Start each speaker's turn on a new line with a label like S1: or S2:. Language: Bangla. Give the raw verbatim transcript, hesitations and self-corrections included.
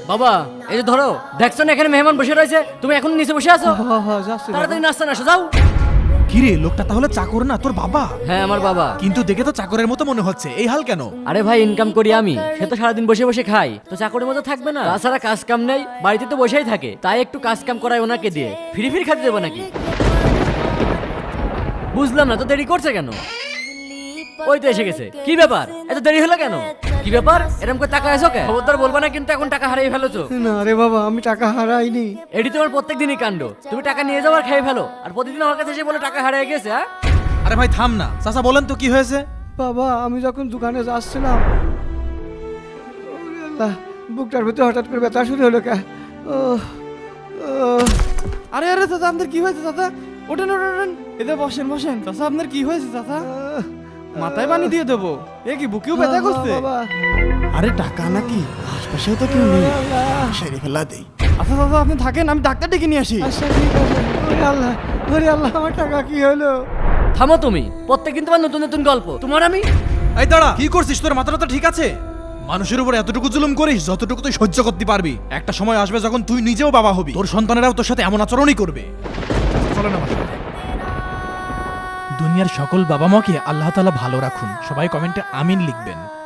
S1: বাবা এই যে ধরো, দেখছো না এখানে মেহমান বসে রয়েছে, তুমি এখন নিচে বসে আছো। তাড়াতাড়ি নাস্তা না আসো, যাও।
S2: কিরে লোকটা তাহলে চাকর না তোর বাবা?
S1: হ্যাঁ আমার বাবা।
S2: কিন্তু দেখে তো চাকরের মতো মনে হচ্ছে, এই হাল কেন?
S1: আরে ভাই ইনকাম করি আমি, সে তো সারাদিন বসে বসে খাই, তো চাকরির মতো থাকবে না? তাছাড়া কাজ কাম নেই, বাড়িতে তো বসেই থাকে, তাই একটু কাজ কাম করায় ওনাকে দিয়ে। ফ্রি ফ্রি খাতে দেবো নাকি? বুঝলাম না তো দেরি করছে কেন? ওই তো এসে গেছে। কি ব্যাপার, এত দেরি হলো কেন? কি ব্যাপার, এরকম করে টাকা এসো কে? খবরদার বলবা না কিন্তু, এখন টাকা হারিয়ে ফেলেছো।
S3: না রে বাবা, আমি টাকা হারাইনি।
S1: এটি তোমার প্রত্যেক দিনই কাণ্ড, তুমি টাকা নিয়ে যাও আর খেয়ে ফেলো, আর প্রতিদিন আমার কাছে এসে বলে টাকা হারিয়ে গেছে। হ্যাঁ
S2: আরে ভাই থাম না, চাচা বলেন তো কি হয়েছে?
S3: বাবা আমি যখন দোকানে যাচ্ছিলাম, ওরে আল্লাহ, বুকটার ভিতরে হঠাৎ করে ব্যথা শুরু হলো কে। ও
S4: আরে আরে চাচা, আপনার কি হয়েছে চাচা? ওঠেন ওঠেন ওঠেন, এদের বসেন বসেন। চাচা আপনার কি হয়েছে চাচা? মাথায় পানি দিয়ে দেবো। এ কি বুকেও ব্যথা করছে?
S3: বাবা
S4: আরে টাকা নাকি? আশপাশেও তো কেউ নেই, সেরে ফেলা দেই। আচ্ছা চাচা আপনি থাকেন, আমি ডাক্তার ডেকে নিয়ে আসি।
S3: আচ্ছা ঠিক আছে। ওরে আল্লাহ, ওরে আল্লাহ, আমার টাকা কি হলো?
S1: থামো তুমি, প্রত্যেকদিন তোমার নতুন নতুন গল্প। তোমার আমি
S2: এই দাঁড়া, কি করছিস? তোর মাথাটা তো ঠিক আছে? মানুষের উপর এতটুকু জুলুম করিস যতটুকু তুই সহ্য করতে পারবি। একটা সময় আসবে যখন তুই নিজেও বাবা হবি, তোর সন্তানেরাও তোর সাথে এমন আচরণই করবে। চলেন আমার সাথে। দুনিয়ার সকল বাবা মাকে আল্লাহ তাআলা ভালো রাখুন। সবাই কমেন্টে আমিন লিখবেন।